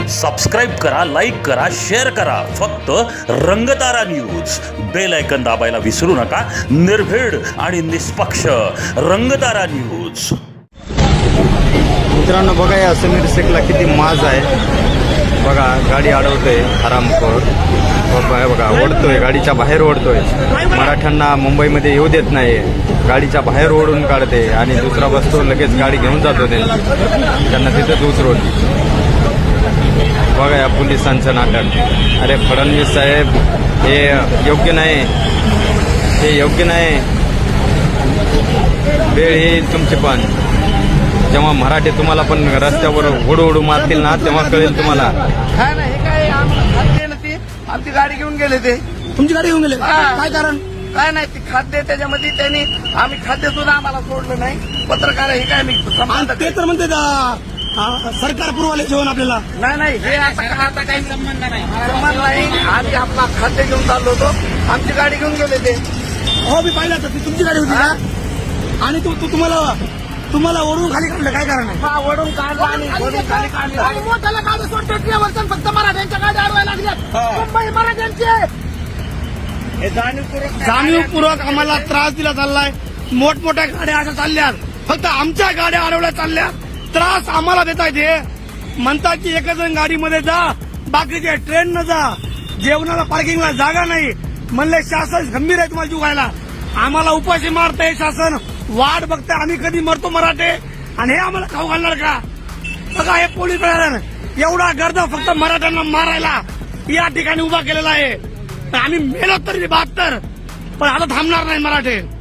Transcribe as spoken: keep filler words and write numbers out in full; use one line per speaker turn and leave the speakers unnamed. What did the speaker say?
Subscribe करा, like करा, share करा. फक्त रंगतारा न्यूज. बेल आयकन दाबायला विसरू नका. निर्भीड आणि निष्पक्ष रंगतारा न्यूज.
मित्रांनो बघा, या समीर शेखला किती माज आहे बघा. गाडी अडवतोय हरामखोर. बघा ओढतोय, गाडीच्या बाहेर ओढतोय. मराठ्यांना मुंबईमध्ये येऊ देत नाही. गाडीच्या बाहेर ओढून काढते आणि दुसरा बसतो, लगेच गाडी घेऊन जातो. त्यांना तिथंच उतरवते. बघा या पोलिसांचं नाटक. अरे फडणवीस साहेब, हे योग्य नाही, हे योग्य नाही. वेळ येईल तुमची पण, जेव्हा मराठी तुम्हाला पण रस्त्यावर ओढू ओढू मारतील ना, तेव्हा कळेल तुम्हाला.
काय नाही, हे काय आमची आमची गाडी घेऊन गेले. ते
तुमची गाडी घेऊन गेले, काय कारण?
काय नाही, ती खाद्य त्याच्यामध्ये त्यांनी आम्ही खाद्य सुद्धा आम्हाला सोडलं नाही. पत्रकार हे काय मी
ते तर म्हणते सरकार पुरवाले जेवण आपल्याला.
नाही नाही, हे आता आता काही संबंध नाही, संबंध नाही. आम्ही आपला खाद्य घेऊन चाललो होतो, आमची गाडी घेऊन गेले ते.
हो मी पाहिलं तर ती तुमची गाडी होती का? आणि तू तू- तुम्हाला तुम्हाला ओढून खाली काढलं, काय कारण आहे?
हा, वडून काढला आणि वडून खाली काढलं.
मोठ्याला गाडी सोडते, फक्त मराठ्यांच्या गाड्या अडवायला लागल्या. मुंबई मराठ्यांचे
हे जाणीवपूर्वक
जाणीवपूर्वक आम्हाला त्रास दिला चाललाय. मोठमोठ्या गाड्या अशा चालल्यात, फक्त आमच्या गाड्या अडवल्या चालल्या. त्रास आम्हाला देता येते. म्हणतात की एक जण गाडीमध्ये जा, बाकीचे ट्रेन न जा. जेवणाला पार्किंगला जागा नाही. म्हणले शासन गंभीर आहे तुम्हाला जुगायला. आम्हाला उपाशी मारतंय शासन. वाट बघताय आम्ही कधी मरतो मराठे, आणि हे आम्हाला खाऊ घालणार का? बघा हे पोलीस प्रशासन एवढा गर्द फक्त मराठ्यांना मारायला या ठिकाणी उभा केलेला आहे. आम्ही मेलो तरी बहात्तर, पण आता थांबणार नाही मराठे.